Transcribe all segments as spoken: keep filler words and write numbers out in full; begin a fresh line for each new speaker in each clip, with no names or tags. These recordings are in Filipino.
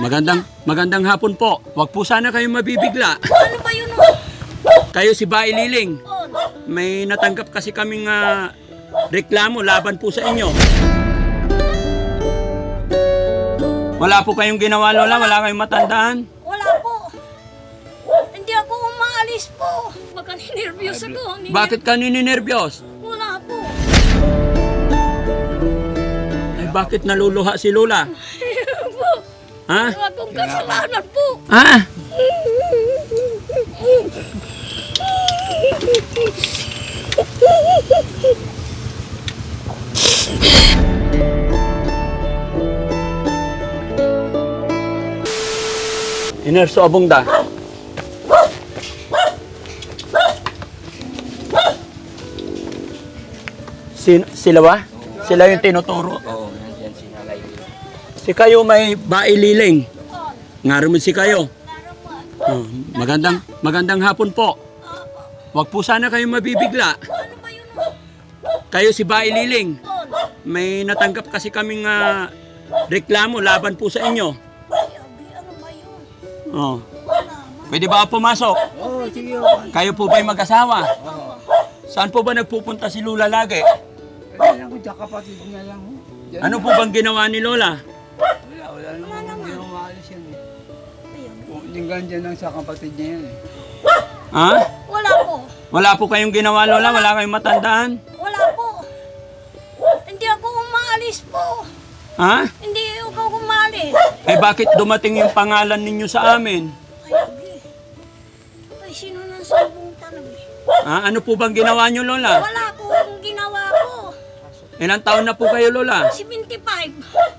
Magandang magandang hapon po. Huwag po sana kayong mabibigla.
Ano ba yun?
Kayo si Bae Liling.
Oh,
May natanggap kasi kaming ah, reklamo laban po sa inyo. Wala po kayong ginawa, Lola? Wala kayong matandaan?
wala po. Hindi ako umaalis po. Baka ninervyos ako. Niner-
Bakit ka nininervyos?
Wala po.
Ay, bakit naluluha si Lola?
po.
Ha?
Wala akong kasalanan po.
Ha? Inerso abong da. Sin sila ba? Sila yung tinuturo.
Oo, nandiyan si Nalay.
Si kayo may Bae Liling. Ngaro mo si kayo. Oh, magandang magandang hapon po. Huwag po sana kayong mabibigla.
Ano ba yun?
Kayo si Bae Liling.
Oh,
May natanggap kasi kaming ah, reklamo laban po sa inyo.
ay, abi, ano ba yun?
Oh.
Wala.
Pwede ba ako pumasok?
Oo, sige.
Kayo po ba'y mag-asawa? Saan po ba nagpupunta si Lola lagi?
Kaya lang ko, tsaka kapatid niya lang. ho. Diyan.
Ano po bang ginawa ni Lola?
Wala, wala naman. Hindi naman maalis yan eh.
Ay, abi.
Kung linggan dyan lang sa kapatid niya yan eh.
Ha?
Wala po.
Wala po kayong ginawa, Lola? Wala kayong matandaan?
Wala po. Hindi ako umaalis po.
Ha?
Hindi ako umalis.
Eh bakit dumating yung pangalan ninyo sa amin?
Ay, abi. Ay, sino nang sabong talaga?
Ha? Ano po bang ginawa nyo, Lola?
Wala po akong ginawa ko.
Ilang taon na po kayo, Lola?
seventy-five.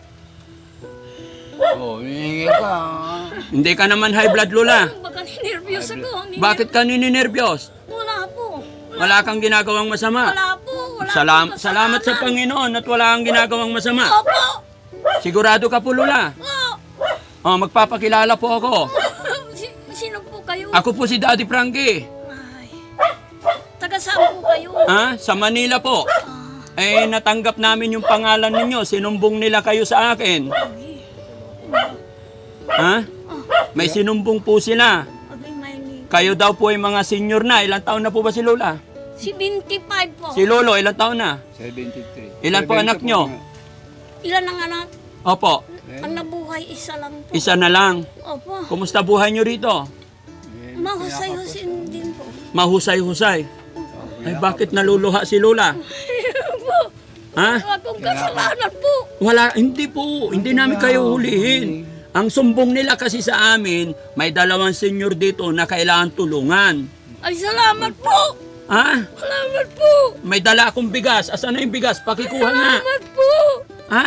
Oo, hihingi ka. ah.
Hindi ka naman high blood, Lola.
Baka ninervyos ako. Niner-
Bakit ka nininervyos?
Wala po.
Wala kang ginagawang masama.
Wala po. Wala
Salam
akong
salamat sa
kasalanan.
Panginoon at wala kang ginagawang masama.
Opo.
Sigurado ka po, Lola.
Oh.
Oh, magpapakilala po ako.
Si- Sino po kayo?
Ako po si Daddy Frankie.
Ay. Taga saan po kayo?
Ha? Sa Manila po.
Ah,
Eh, natanggap namin yung pangalan ninyo. Sinumbong nila kayo sa akin.
abi.
Ha? May sinumbong po sila.
Abi, may ni-
Kayo daw po ay mga senior na. Ilang taon na po ba si Lola?
seventy-five po.
Si Lolo, ilang taon na?
seventy-three.
Ilan po
seventy
anak nyo?
nga.
Ilan ang anak?
Opo,
Ang nabuhay, isa lang po.
isa na lang.
Opo.
Kumusta buhay nyo rito?
Eh,
Mahusay-husin din po.
Mahusay-husay. Ay, bakit naluluha si Lola? Ha?
Wala akong kasalanan po.
Wala, hindi po. Hindi namin kayo hulihin. Ang sumbong nila kasi sa amin, may dalawang senior dito na kailangan tulungan.
Ay, salamat po.
Ha?
Salamat po.
May dala akong bigas. Asan na yung bigas? Pakikuha nga.
Salamat po.
Ha?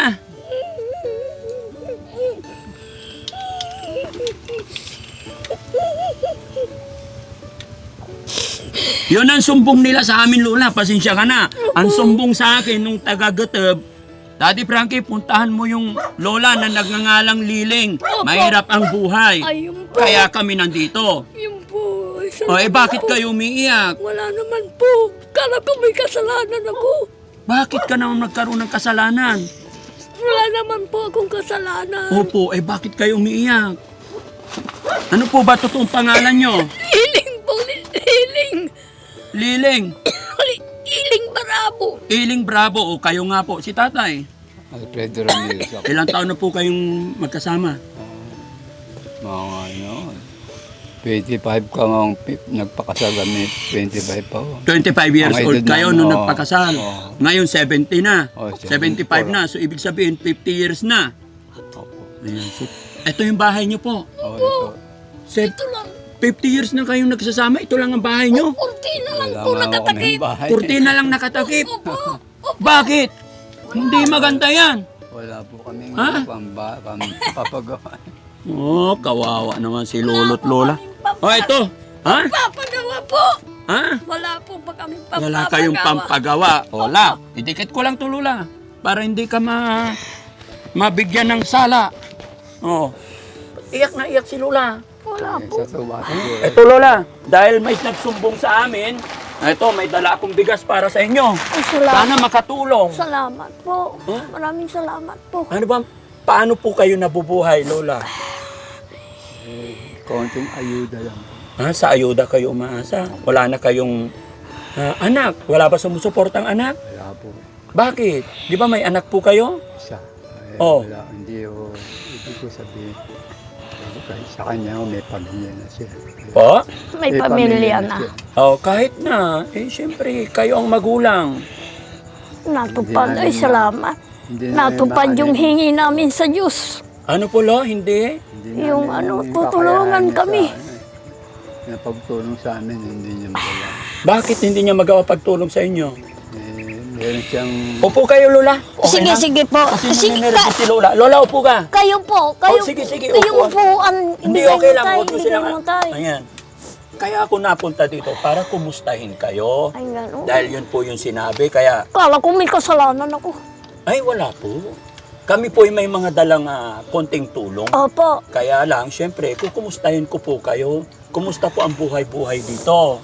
Yun ang sumbong nila sa amin, Lola. Pasensya ka na. Ang sumbong sa akin nung taga-Gateb, Daddy Frankie, puntahan mo yung Lola na nagngangalang Liling. Mahirap ang buhay.
Ay, yun po.
Kaya kami nandito.
Yun po. Ay,
O eh,
salamat
bakit
po.
kayo umiiyak?
Wala naman po. Kala ko may kasalanan ako.
Bakit ka naman nagkaroon ng kasalanan?
Wala naman po akong kasalanan.
Opo, eh bakit kayo umiiyak? Ano po ba totoong pangalan nyo?
Hiling po. Hiling.
Liling.
Hiling Barabo.
Iling Bravo. O kayo nga po, si tatay.
Alfredo Ramirez ako.
Ilang taon na po kayong magkasama?
Mga ano, twenty-five ka nga ang pi- nagpakasal kami, twenty-five pa ho.
twenty-five years
Ang
old
edad
kayo
namin,
nung
oo.
nagpakasal.
Oo.
Ngayon seventy na.
Oo,
seventy-five na. So ibig sabihin fifty years na.
Opo.
Ayan. So, ito yung bahay nyo po.
Oh, ito.
Se-
Ito lang.
fifty years na kayong nagsasama. Ito lang ang bahay nyo.
Kurtina lang
Wala
po
nga ako
nakatakip.
kaming bahay.
Kurtina lang nakatakip.
Opo.
Bakit? Hindi maganda yan.
Wala po kaming
Ha?
pamba, pam, papagawa.
Oh, kawawa naman si Lolo't Lola. Oh, ito. Ha?
Papagawa po.
Ha?
Wala po pa kami pampapagawa.
Wala kayong pampagawa. Wala. Idikit ko lang to, Lola. Para hindi ka ma mabigyan ng sala. Oh. Iyak na iyak si Lola.
Wala po.
Sa tuwa siguro.
Ito, Lola. Dahil may nagsumbong sa amin, ito, may dala akong bigas para sa inyo.
Ay, salamat.
Sana makatulong.
Salamat po.
Huh?
Maraming salamat po.
Ano ba, paano po kayo nabubuhay, Lola?
Konting ayuda lang.
Ah, sa ayuda kayo umaasa. Wala na kayong ah, anak. Wala ba sumusuportang anak?
Wala po.
Bakit? Di ba may anak po kayo?
Isa. Ay,
Oh.
Wala, hindi ko, hindi ko sabihin. Kahit sa kanya, may pamilya na siya.
Po?
May pamilya na.
siya.
Oh, kahit na. Eh, siyempre, kayo ang magulang.
Natupad.
Hindi na
Ay,
rin
salamat.
Hindi na
Natupad
rin
yung
makalim-
hingi namin sa Diyos.
Ano po, lo? Hindi?
hindi
yung
namin
ano,
yung
tutulungan
kakayahan niya
kami.
Sa, ano, eh, na pagtulong sa amin, hindi niya magawa.
Bakit hindi niya magawa pagtulong sa inyo?
Eh, meron siyang...
Upo kayo, Lola. Okay
Sige,
na?
sige po.
Kasi
Sige,
nanininervous
ka-
si Lola. Lola, upo ka.
kayo po. Kayo,
Oh, sige, sige,
Kayong
upo.
upuan.
Hindi,
ibigay
okay
mo
lang.
tayo,
Huwag mo
ibigay
silang...
mo tayo.
Ayan. Kaya ako napunta dito para kumustahin kayo.
Ay, gano'n.
Dahil yun po yung sinabi. Kaya,
Kala ko may kasalanan ako.
ay wala po. Kami po ay may mga dalang ah, konting tulong.
Opo.
Kaya lang, syempre, kukumustahin ko po kayo. Kumusta po ang buhay-buhay dito?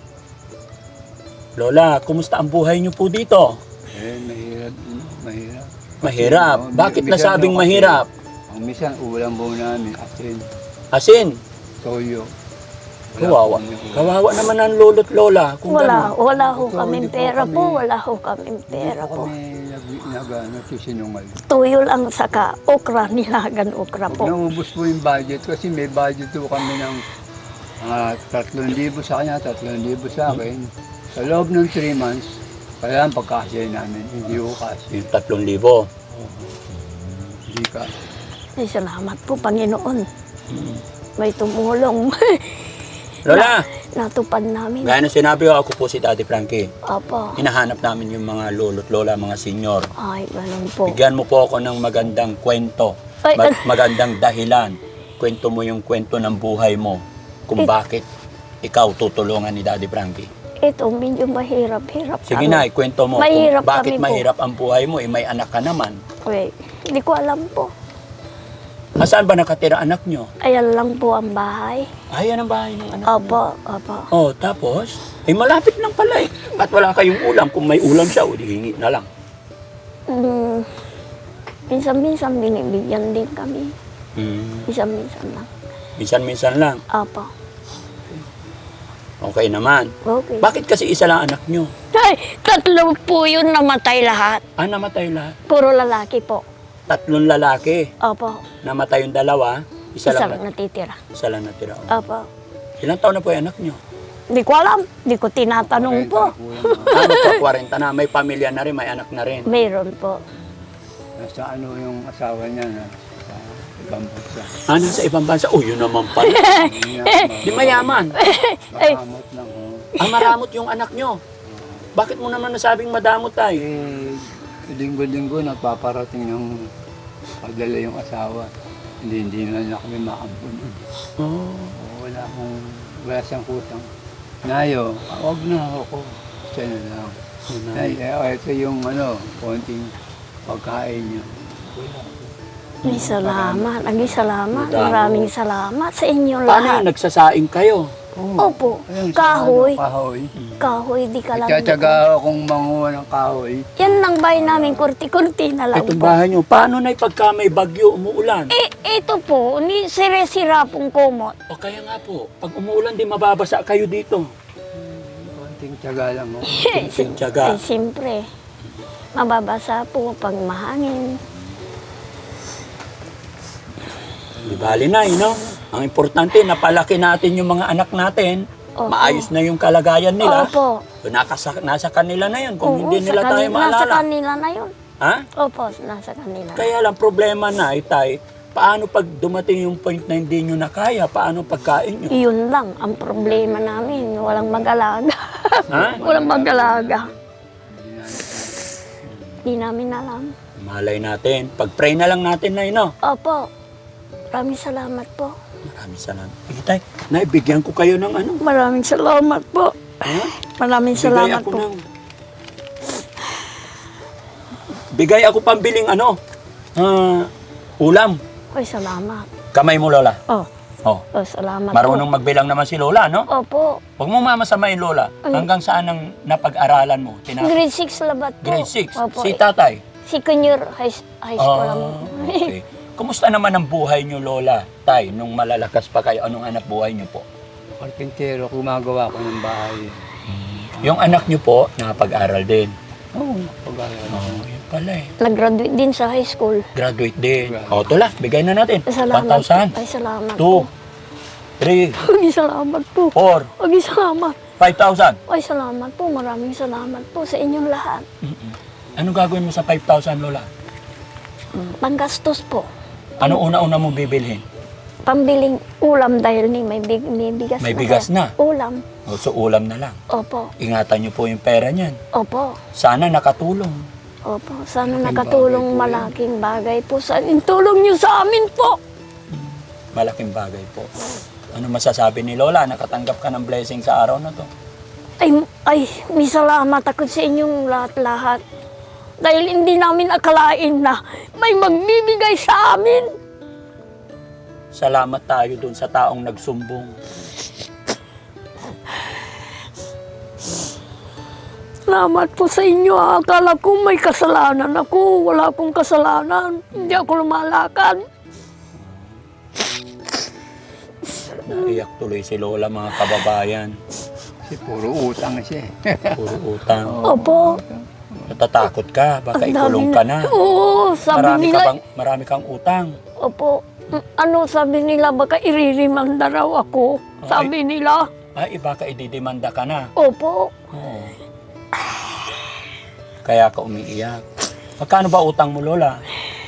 Lola, kumusta ang buhay niyo po dito?
Eh, mahirap. ano, Mahirap.
Mahirap.
Kasi,
Bakit
minsan
nasabing
daw kasi,
mahirap?
Ang minsan, ulam po namin, asin,
Asin.
toyo.
Kawawa.
po kami-
Kawawa naman ang lolo't lola. Kung
Wala,
gano'n.
wala ho
Ito,
kaming
hindi po
pera
kami-
po. Wala ho kaming pera
Hindi po
po.
kami nag, nag ano, sisinungal.
Tuyo lang saka okra, nilagan okra po.
Naubos po yung budget kasi may budget po kami ng uh, tatlong libo sa kanya, tatlong libo sa akin. Sa loob ng three months, kaya ang pagkasya namin, hindi ko kasi.
Yung tatlong libo.
Hindi ka.
Ay, salamat po, Panginoon. May tumulong.
Lola,
Natupad namin.
gaya na sinabi ko, ako po si Daddy Frankie.
Opo.
Hinahanap namin yung mga lolo't lola, mga senior.
Ay, ganun po.
Bigyan mo po ako ng magandang kwento.
Ay,
Mag- magandang dahilan. Kwento mo yung kwento ng buhay mo. Kung
Eh.
bakit ikaw tutulungan ni Daddy Frankie.
Ito, medyo mahirap-hirap.
Sige
kami.
na, ikwento mo.
Mahirap
kung bakit
kami po.
mahirap ang buhay mo. Eh, may anak ka naman.
Wait, hindi ko alam po.
Saan ba nakatira anak nyo?
Ayan lang po ang bahay.
Ay, yan ang bahay ng anak mo.
Opo, opo.
Oh, tapos? Eh, malapit lang pala eh. At wala kayong ulam. Kung may ulam siya, o di hingi na lang.
Mm, minsan-minsan binibigyan din kami.
Hmm.
Minsan-minsan lang.
Minsan-minsan lang.
Opo.
Okay naman.
Okay.
Bakit kasi isa lang anak nyo?
Ay, tatlo po yun namatay lahat.
Ah, namatay lahat.
Puro lalaki po.
Tatlong lalaki.
Opo.
Namatay yung dalawa. Isa,
Isa
lang.
lang natitira.
Isa lang natira.
Opo.
Ilang taon na po yung anak nyo?
Hindi ko alam. Hindi ko tinatanong po.
Ano po, forty na. May pamilya na rin, may anak na rin.
Mayroon po.
Nasa ano yung asawa niya na sa ibang bansa.
Ah, nasa ibang bansa. Oh, yun naman pala. Di mayaman.
Makamot lang. Oh.
Ah, maramot yung anak nyo. Bakit mo naman nasabing madamot tayo?
Eh, linggo-linggo nagpaparating ng pagdala yung asawa. Hindi, hindi na niya kami makampun.
Oh.
Wala akong, wala siyang kutang. Nayo, wag na ako. Siya na lang. Ay, eh, ito yung ano, konting pagkain niya. Wala.
May salamat. Agi salamat.
Madami.
Maraming salamat sa inyo
Paano
lahat.
yung nagsasaing kayo?
Opo.
Ayun, sa
Kahoy.
ano, kahoy.
Kahoy, di ka lang.
Nagtsatsaga akong manguha ng kahoy.
Yan lang bahay namin, kurti-kurti na lang
Itong
po.
bahay nyo, paano na pagka may bagyo, umuulan?
Eh, ito po, ni sire-sira pong kumot.
O kaya nga po, pag umuulan, di mababasa kayo dito.
Konting tsaga lang. Oh.
Kunting tiyaga.
Eh, siyempre, mababasa po pag mahangin.
Di bali na, eh, no? Ang importante, napalaki natin yung mga anak natin.
Opo.
Maayos na yung kalagayan nila.
Opo.
So, nakasa, nasa kanila na yun. Kung
Oo,
hindi
sa
nila tayo
kanila- Nasa
maalala.
kanila na yun.
Ha?
Opo, nasa kanila.
Kaya lang, problema na, itay, paano pag dumating yung point na hindi nyo na kaya? Paano pagkain nyo?
Yun lang ang problema namin. Walang mag-alaga.
Ha?
Walang mag-alaga. Di namin alam.
Malay natin. Pag-pray na lang natin na, no?
Opo. Maraming salamat po.
Maraming salamat. Itay, naibigyan ko kayo ng ano?
Maraming salamat po.
Ha?
Maraming
Bigay
salamat
ako
po.
ng... Bigay ako pambiling ano? Ah, ulam.
Ay, salamat.
Kamay mo, Lola.
Oh,
Oh.
oh salamat
Marunong magbilang naman si Lola, no?
po. Opo.
Huwag mo mamasamain, Lola. Hanggang saan ang napag-aralan mo? Tina-
Grade six labat po.
Grade six.
Opo.
Si tatay?
Si Kunyor High, high School lang.
Ah, okay. Kumusta naman ang buhay niyo, Lola? Tay, nung malalakas pa kayo, anong anak buhay niyo po?
Karpintero, gumagawa ko ng bahay.
Yung anak niyo po, nakapag-aral din.
Oo, pag-aral.
Oh, yun pala eh.
Nag-graduate din sa high school.
Graduate din. O, ito lang, bigay na natin. one
Salamat.
thousand,
Ay, salamat
two,
po.
three,
Ay, salamat po.
four,
Ay, salamat.
five thousand.
Ay, salamat po. Maraming salamat po sa inyong lahat.
Ano gagawin mo sa five thousand, Lola?
Panggastos po.
Ano una-una mo bibilhin?
Pambiling ulam dahil ni may, big, may bigas
May
na.
bigas na.
Ulam.
O, so ulam na lang.
Opo.
Ingatan niyo po yung pera niyan.
Opo.
Sana nakatulong.
Opo. Sana nakatulong malaking bagay po sa amin. Tulong niyo sa amin po.
Malaking bagay po. Ano masasabi ni Lola? Nakatanggap ka ng blessing sa araw na to.
Ay, ay, may salamat ako sa inyong lahat-lahat. Dahil hindi namin akalain na may magbibigay sa amin.
Salamat tayo dun sa taong nagsumbong.
Salamat po sa inyo. Akala ko may kasalanan ako. Wala akong kasalanan. Hindi ako lumalakad.
Naiyak tuloy si Lola, mga kababayan.
Kasi puro utang siya eh.
Puro utang.
Opo.
Natatakot ka, baka
Ang
ikulong
dami
ka na.
Oo, sabi
Marami
nila.
ka bang, marami kang utang.
Opo. Mm, Ano sabi nila, baka iririmanda raw ako. Sabi nila.
Ay, baka ididimanda ka na.
Opo.
Oo. Kaya ka umiiyak. Magkano ba utang mo, Lola?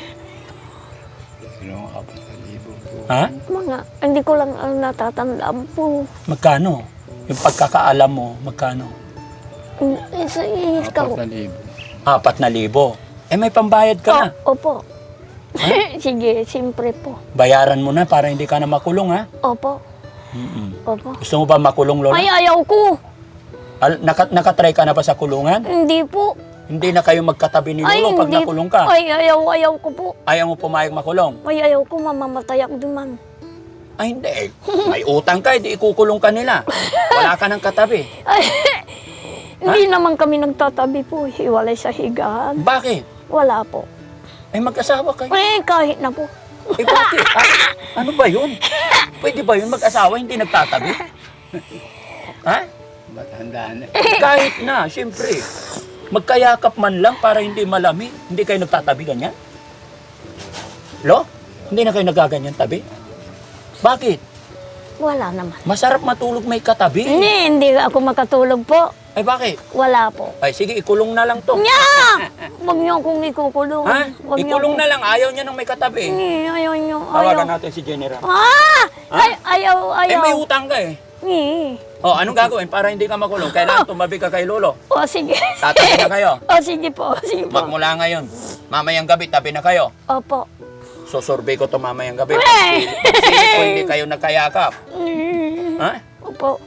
Yung apat na libo po.
Ha?
Mga, hindi ko lang ang natatandaan po.
Magkano? Yung pagkakaalam mo, magkano?
Isa, ikaw.
Apat na libo.
Apat na libo. Eh, may pambayad ka na.
O- Opo. Sige, siyempre po.
Bayaran mo na para hindi ka na makulong, ha?
Opo.
Mm-mm.
Opo.
Gusto mo ba makulong, Lola?
Ay, ayaw ko.
Al- naka, nakatry ka na ba sa kulungan?
Hindi po.
Hindi na kayo magkatabi ni
Ay,
Lolo pag
hindi.
nakulong ka.
Ay, ayaw, ayaw ko po.
Ayaw mo pumayag makulong?
Ay, ayaw ko, mamamatay ako duman.
Ay, hindi. May utang ka, hindi ikukulong ka nila. Wala ka ng katabi.
Ay, hindi naman kami nagtatabi po. Hiwalay sa higaan.
Bakit?
Wala po.
Ay, mag-asawa kayo.
Eh, kahit na po.
Eh, bakit? Ah, ano ba yun? Pwede ba yun mag-asawa, hindi nagtatabi? Ha?
Matanda na.
Kahit na, siyempre. Magkayakap man lang para hindi malami. Hindi kayo nagtatabi ganyan? Lo? Hindi na kayo nagaganyan tabi? Bakit?
Wala naman.
Masarap matulog may katabi.
Hindi, hindi ako makatulog po.
Ay, bakit?
Wala po.
Ay, sige, ikulong na lang to.
Nya! Huwag niyo akong ikukulong.
Ha?
Huwag niyo
Ikulong
akong-
na lang. Ayaw niya nang may katabi.
Ni, ayaw niyo.
Tawagan
Ayaw.
natin si General.
Ah!
Ha?
Ay, ayaw,
Eh,
ayaw.
may utang ka eh.
Ni.
O, anong gagawin para hindi ka makulong? Kailangan tumabi ka kay Lolo.
O, sige.
Tatabi na kayo.
O, sige po. Sige po.
Magmula ngayon, mamayang gabi, tabi na kayo.
Opo.
Susurvey ko to mamayang gabi.
Eh!
Pag silip ko, hindi kayo nagkayakap.
Mm.
Ha?
Opo.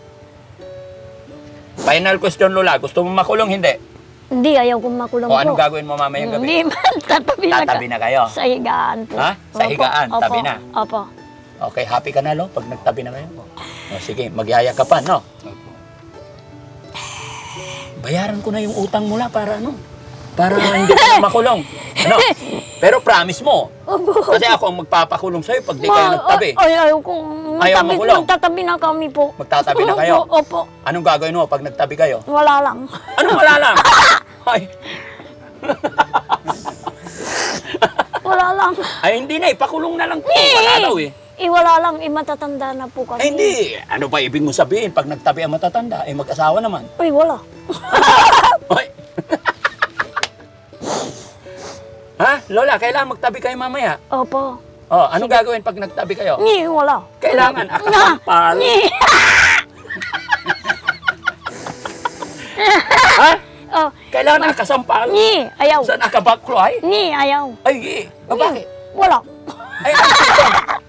Final question, Lola. Gusto mo makulong, hindi?
Hindi, ayaw kong makulong
O,
po.
anong gagawin mo mamayang gabi?
Hindi man, tatabi na,
Tatabi na kayo.
Sa higaan po.
Ha? Sa
Opo,
higaan,
opo,
tabi na.
Opo.
Okay, happy ka na, Lo, pag nagtabi na kayo? O, sige, magyaya ka pa, no? Bayaran ko na yung utang mula para ano? Para hindi ka na makulong. Ano? Pero promise mo.
Opo.
Kasi ako ang magpapakulong sa'yo pag di kayo
Ma-
nagtabi.
Ay, ayaw kong
Ayaw
magtabi,
makulong?
magtatabi na kami po.
Magtatabi na kayo?
Opo, opo.
Anong gagawin mo pag nagtabi kayo?
Wala lang.
Anong wala lang? Ay,
Wala lang.
ay hindi na, ipakulong na lang po. Wala daw eh.
Eh, wala lang. Eh, matatanda na po kami.
Ay hindi. Ano ba ibig mo sabihin pag nagtabi ang matatanda? Eh mag-asawa naman.
Ay, wala.
Ay. Ha? Lola, kailangan magtabi kayo mamaya.
Opo.
Oh, anong gagawin pag nagtabi kayo?
Ni, wala.
Kailangan akasampal.
Ni.
Ha?
Oh,
Kailangan akasampal.
ni, ayaw.
Saan akabakloy?
Ni, ayaw.
Ay, eh. Ah, bakit?
Wala.
Ay, ano ito?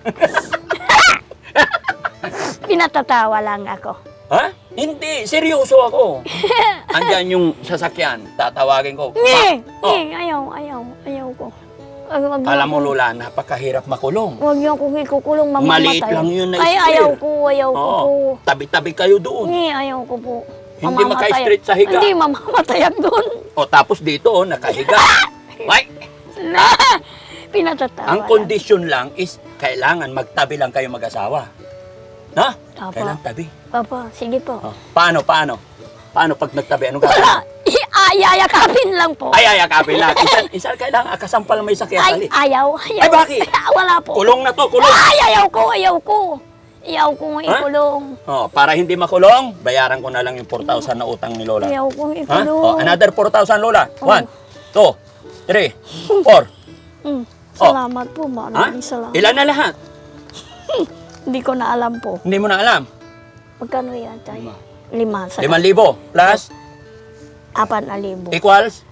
Pinatatawa lang ako.
Ha? Hindi, seryoso ako. Andyan yung sasakyan, tatawagin ko.
Ni,
Pa- Oh,
ni, ayaw, ayaw, ayaw ko. Ay, wag niyo
alam mo,
akong-
Lola, napakahirap makulong.
Huwag niyo akong ikukulong, mamamatay.
Maliit lang yun na
Ay,
square.
ayaw ko, ayaw ko
Oo,
po.
tabi-tabi kayo doon.
Ni, ayaw ko po.
Hindi
Mamamatay.
maka-straight sa higa.
Hindi, mamamatay ako doon.
O tapos dito, oh, nakahiga. Ay,
Na, Pinatatawa
Ang
lang.
kondisyon lang is kailangan magtabi lang kayo mag-asawa. No?
Opo.
Kailangan tabi.
Opo, sige po.
Oh. Paano, paano? Paano pag nagtabi? Anong gagawin?
Ay, ayakapin lang po.
Ay, ay, akapin lang. Isa, isa kailangan akasampal may sakit.
Ay, ayaw, ayaw.
Ay, bakit?
Wala po.
Kulong na to, kulong.
Ay, ayaw ko, ayaw ko. Ayaw ko ikulong.
Oh, para hindi makulong, bayaran ko na lang yung four thousand na utang ni Lola.
Ayaw ko
Ha?
ikulong.
Oh, another four thousand, Lola.
Oh.
One, two, three, four.
Mm, salamat po,
Ha?
maraming salamat.
Ilan na lahat?
Hindi ko na alam po.
Hindi mo na alam.
Magkano yan, tay? Lima. Sa
Limang libo plus
apat na libo.
equals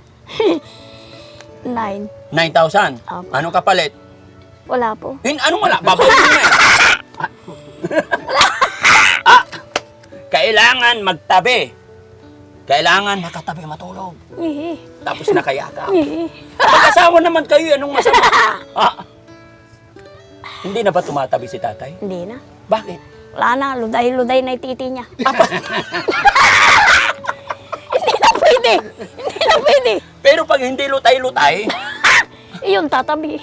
Nine.
nine thousand.
Opo.
Anong kapalit?
Wala po.
Hin, anong wala? Babayin mo na. ah, kailangan magtabi. Kailangan nakatabi matulog.
Ngihi.
Tapos nakayakap.
Ngihi.
Mag-asawa naman kayo, anong masama? ah, hindi na ba tumatabi si tatay?
Hindi na.
Bakit?
Wala na. Luday-luday na yung titi niya. Hindi na pwede. Hindi na pwede.
Pero pag hindi lutay-lutay,
Iyon, tatabi.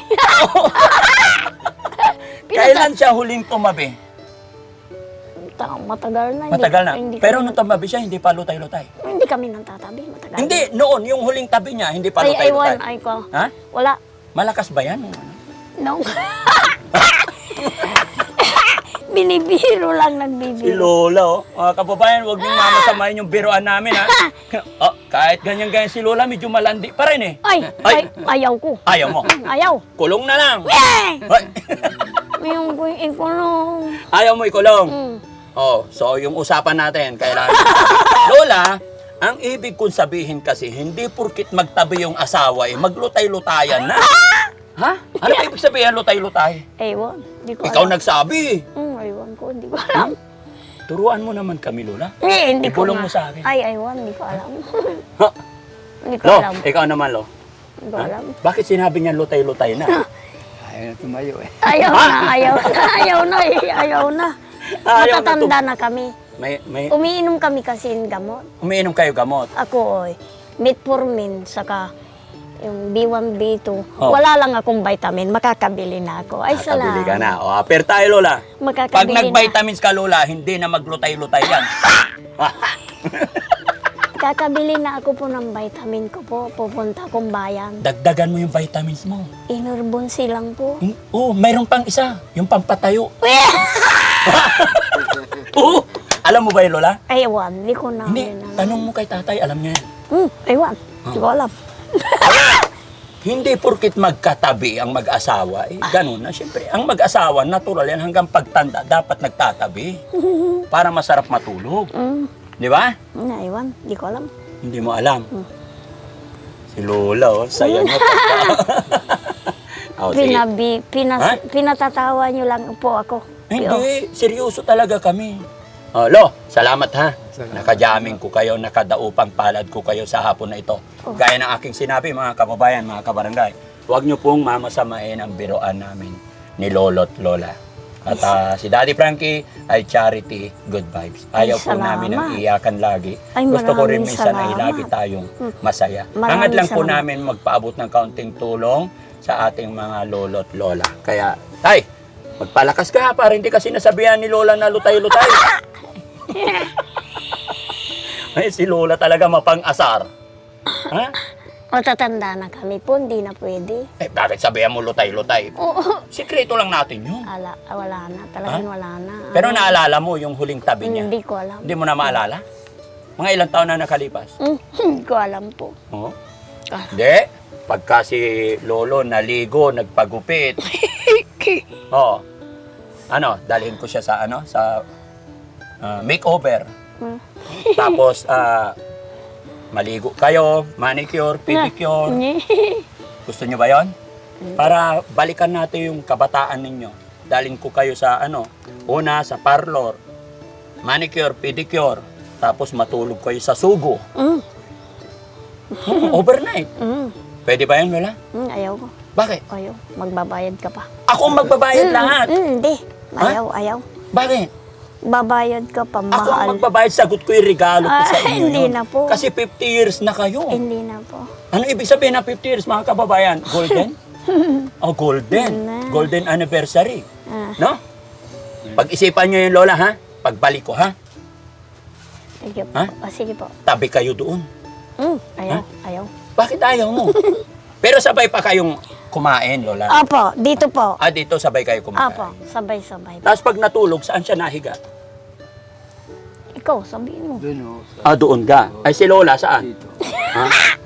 kailan siya huling tumabi?
Ta- Matagal na. Hindi,
Matagal na.
Hindi
Pero
kami,
nung tumabi siya, hindi pa lutay-lutay.
hindi kami nang tatabi. Matagal.
Hindi, noon, yung huling tabi niya, hindi pa
Ay, ay, one.
lutay-lutay.
Ay, ko.
Ha?
Wala.
Malakas ba yan?
No. Binibiro lang,
Si
nagbibiro.
Lola, oh. Mga kababayan, huwag niyong mamasamayin yung biroan namin, ha? oh, kahit ganyan-ganyan si Lola, medyo malandi pa rin, eh.
Ay, ay, ayaw ko.
Ayaw mo.
Ayaw.
Kulong na lang.
Eh!
Ay,
Yung ko ikulong.
Ayaw mo ikulong.
Mm.
Oh, so yung usapan natin, kailangan. Lola, ang ibig kong sabihin kasi, hindi purkit magtabi yung asawa, eh, maglutay-lutayan na. Ha? Ano ba ibig sabihin lutay-lutay?
Ewan, hindi ko
Ikaw
alam.
nagsabi.
Hmm, ewan ko, hindi ko alam.
Turuan mo naman kami, Lola.
Eh, hindi ko
Ikulong
nga.
mo sa akin.
Ay, ewan, hindi ko alam.
Ha?
Hindi ko
Lo,
alam.
ikaw naman, Lo.
Hindi ko
Ha?
alam.
Bakit sinabi niya lutay-lutay na?
Ayaw na tumayo eh.
Ayaw na, ayaw na, ayaw na, eh, ayaw na.
Ayaw na
Matatanda na kami.
May, may,
Umiinom kami kasi ng gamot.
umiinom kayo gamot.
Ako, oy, metformin, saka yung B one, B two.
Oh.
Wala lang akong vitamin, makakabili na ako. Ay,
Nakabili ka
salamat.
na. O, aper tayo, Lola. Pag
Makakabili na.
nag-vitamins ka, Lola, hindi na maglutay-lutay yan.
Kakabili na ako po ng vitamin ko po. Pupunta akong bayan.
Dagdagan mo yung vitamins mo.
Inurbonsi lang po.
Hmm? Oh, mayroon pang isa. Yung pampatayo. Oo. Alam mo ba yun, Lola?
Ewan, hindi ko na.
Hindi. Tanong mo kay tatay, alam niya yan.
Hmm, ewan, hindi ko alam.
Hindi porkit magkatabi ang mag-asawa, eh, ganun na. Siyempre, ang mag-asawa, natural yan, hanggang pagtanda, dapat nagtatabi. Para masarap matulog.
Hmm,
Di ba?
na, ewan, hindi ko alam.
Hindi mo alam. Si Lola, oh, saya niya. oh, sige.
Pinabi, pinas,
Ha?
pinatatawa niyo lang po ako.
Hindi, seryoso talaga kami. Oh, Lo, salamat ha.
Salamat.
Nakajaming ko kayo, nakadaupang palad ko kayo sa hapon na ito. Gaya ng aking sinabi, mga kababayan, mga kabarangay, huwag niyo pong mamasamain ang biroan namin ni Lolo't Lola. At ah, si Daddy Frankie ay charity, good vibes. Ayaw
Ay,
po namin ang
salamat.
iyakan lagi.
Ay,
Gusto ko rin
maraming
minsan ay
salamat.
lagi tayong masaya.
Maraming
Hangad lang po
salamat.
namin magpaabot ng kaunting tulong sa ating mga Lolo't Lola. Kaya, tay, magpalakas ka ha, para hindi kasi nasabihan ni Lola na lutay-lutay. Ay, si Lola talaga mapang-asar. Ha?
Matatanda na kami po, hindi na pwede.
Eh, bakit sabihan mo lutay-lutay?
Oo.
Sikreto lang natin yun.
Ala, wala na, talagang wala na.
Pero
Ano,
naalala mo yung huling tabi niya?
Hindi ko alam.
Hindi mo na maalala? Mga ilang taon na nakalipas?
Hmm, Hindi ko alam po.
Oo.
Ah.
Hindi. Pagka si Lolo naligo, nagpagupit. Oo. Ano, dalhin ko siya sa ano, sa ah, makeover.
Hmm.
Tapos, ah, maligo kayo, manicure, pedicure. Gusto niyo ba yon? Para balikan natin yung kabataan ninyo. Dalhin ko kayo sa ano, una sa parlor, manicure, pedicure, tapos matulog kayo sa sugo.
Mm.
Hmm, overnight.
Mm.
Pwede ba yan, Lola?
Mm, ayaw ko.
Bakit?
Ayaw. Magbabayad ka pa.
Ako ang magbabayad
Mm,
lahat.
mm, Hindi. Ayaw, ayaw.
Bakit?
Babayad ka pa,
Ako ang
mahal.
magbabayad, sagot ko yung regalo ko sa
Ah,
inyo
hindi
yun.
na po.
Kasi fifty years na kayo.
Hindi na po.
Ano ibig sabihin ng fifty years, mga kababayan? Golden? Oh, golden.
Na.
Golden anniversary.
Ah,
No? Pag-isipan nyo yung lola, ha? Pagbalik ko, ha?
sige po.
Ha?
Ah, sige po.
Tabi kayo doon.
Mm, ayaw, ayaw.
Bakit ayaw mo? Pero sabay pa kayong kumain, lola.
Apo, dito po.
Ah, dito sabay kayo kumain.
Apo, sabay-sabay.
Tapos pag natulog, saan siya nahiga?
Ikaw, sabihin mo.
Doon o. sa-
Ah, doon ka. Ay, si lola, saan?
Dito.
Ha?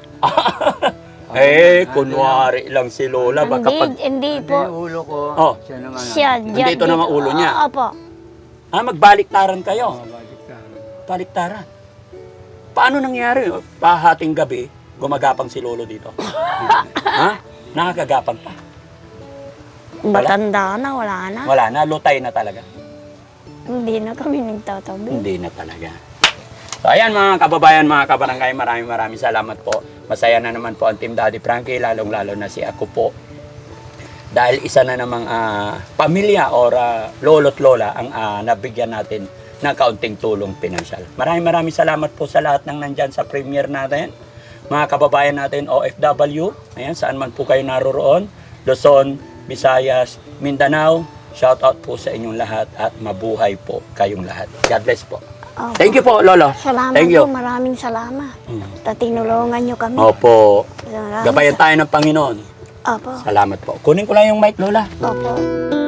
eh, kunwari lang si lola. Baka
Hindi,
pag...
hindi
Hindi,
po.
yung ulo ko.
Oh.
Siya naman.
Siya, dyan,
Nandito naman ulo niya.
Ah, Apo.
Ah, magbaliktaran kayo.
Baliktaran.
Baliktaran. Paano nangyari? Pahating gabi, gumagapang si lolo dito. Ha? Nakakagapang pa.
Matanda na, wala na.
Wala na, lutay na talaga.
Hindi na kami nagtatabi.
Hindi na talaga. So ayan mga kababayan, mga kabarangay, maraming maraming salamat po. Masaya na naman po ang Team Daddy Frankie, lalong-lalo na si ako po. Dahil isa na namang ah, pamilya or ah, lolo't lola ang ah, nabigyan natin ng kaunting tulong pinansyal. Maraming maraming salamat po sa lahat ng nandyan sa premiere natin. Mga kababayan natin O F W, ayan, saan man po kayo naroroon, Luzon, Visayas, Mindanao, shout out po sa inyong lahat at mabuhay po kayong lahat. God bless po.
Opo.
Thank you po, Lolo.
Salamat
Thank you.
po, maraming salamat.
Mm.
Tatinulungan nyo kami.
Opo.
Maraming
Gabayan tayo ng Panginoon.
Opo.
Salamat po. Kunin ko lang yung mic, Lola.
Opo.